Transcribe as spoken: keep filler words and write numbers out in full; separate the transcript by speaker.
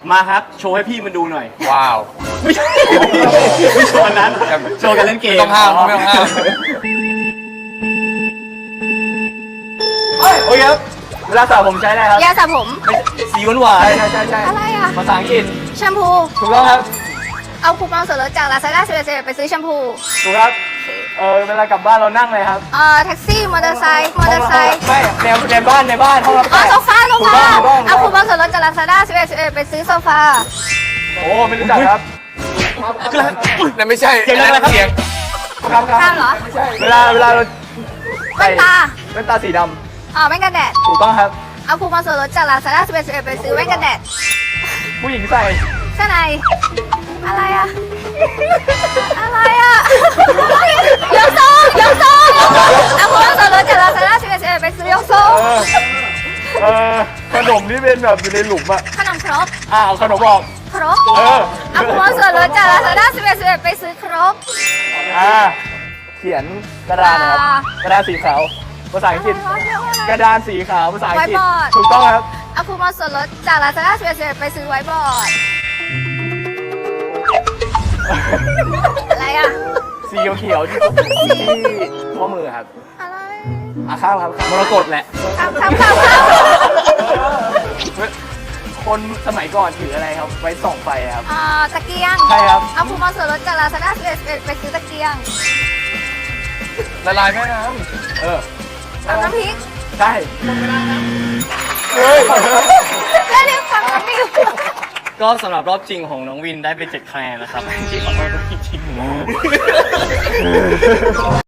Speaker 1: มาครับโชว์ให้พี่มันดูหน่อย
Speaker 2: ว้าว
Speaker 1: ไม่ใช่ไม่โชว์อันนั้นโชว์กันเล่นเกม
Speaker 2: ไม่ต้องห้ามไม่ต้องห้าม
Speaker 1: เฮ้ยโอเคครับเวลาสระผมใช้อะไรครับ
Speaker 3: ยาสระผม
Speaker 1: สีหวานๆใช่ใช่ใช่
Speaker 3: อะไรอ่ะ
Speaker 1: ภาษาอังกฤษ
Speaker 3: แชมพู
Speaker 1: ถูกต้องครับ
Speaker 3: เอาคูปองส่วนลดจาก Lazada สิบเอ็ด สิบเอ็ดไปซื้อแชมพู
Speaker 1: ถูกครับเออเวลากลับบ้านเรานั่งเลยครับ
Speaker 3: เอ่อแท็กซี่มอเตอร์ไซค์มอเตอร์ไซค์
Speaker 1: ไม่ในในบ้านในบ้านห้องรับ
Speaker 3: อ๋อ
Speaker 1: แขก
Speaker 3: โซฟาโซ
Speaker 1: ถูก
Speaker 3: ฟา
Speaker 1: ต้องถูกต้อง
Speaker 3: เอาคูปองส่วนลดจาก Lazada สิบเอ็ด สิบเอ็ดไปซื้อโซฟา
Speaker 1: โอ้ไม่รู้จักครับ
Speaker 2: นั่นไม่ใช่
Speaker 1: เสียงอะไรครับ
Speaker 2: เสียง
Speaker 1: ครับครับ
Speaker 3: ข้ามเหรอ
Speaker 1: เวลาเวลาเรา
Speaker 3: แว่นตา
Speaker 1: แว่นตาสีด
Speaker 3: อ๋อแว่นกันแดด
Speaker 1: ำถูกต้องครับ
Speaker 3: เอาคูปองส่วนลดจาก Lazada สิบเอ็ด สิบเอ็ดไปซื้อแว่นกันแดด
Speaker 1: ผู้หญิงใส่
Speaker 3: เสื้อในอะไรอ่ะ อะไรอ่ะยกทรงยกทรงเอาคูปองส่วนลดจาก Lazada สิบเอ็ด สิบเอ็ดไปซื้อยกทรง
Speaker 1: เออเออขนมที่เป็นแบบอยู่ในหลุมอะ
Speaker 3: ขนมครก
Speaker 1: อ่าเอาขนมออก
Speaker 3: ครก
Speaker 1: เออ
Speaker 3: เอาคูปองส่วนลดจาก Lazada สิบเอ็ด สิบเอ็ดไปซื้อครก
Speaker 1: อ่าเขียนกระดานนะครับ
Speaker 3: อ่า
Speaker 1: กระดานสีขาวภาษาอังกฤษกระดานสีขาวภาษาอังกฤษ
Speaker 3: ไวบอร์ด
Speaker 1: ถูกต้องครับ
Speaker 3: เอาคูปองส่วนลดจาก Lazada สิบเอ็ด สิบเอ็ดไปซื้อไวท์บอร์ด อะไรอ่ะ
Speaker 1: สีเขียวๆที่ที่ข้อมือครับ
Speaker 3: อะไร
Speaker 1: อ่ะข้าวครับมรกตแหละ
Speaker 3: ข้ามข้ามข้ามข้าม
Speaker 1: คนสมัยก่อนถืออะไรครับ ไว้ส่องไฟครับ
Speaker 3: อ่าตะเกียง
Speaker 1: ใช่ครับ
Speaker 3: เอาคูปองส่วนลดจาก Lazada สิบเอ็ด สิบเอ็ดไปซื้อตะเกียง
Speaker 2: ละลายแม่น้
Speaker 1: เออ
Speaker 3: เอาน้ำพริก
Speaker 1: ใช่เฮ้ย
Speaker 3: แล้วเรียกฟังน้ำพริก
Speaker 1: ก็สำหรับรอบจริงของน้องวินได้ไปเจ็ดคะแนนนะครับที่ขอโทษด้วยจริงๆ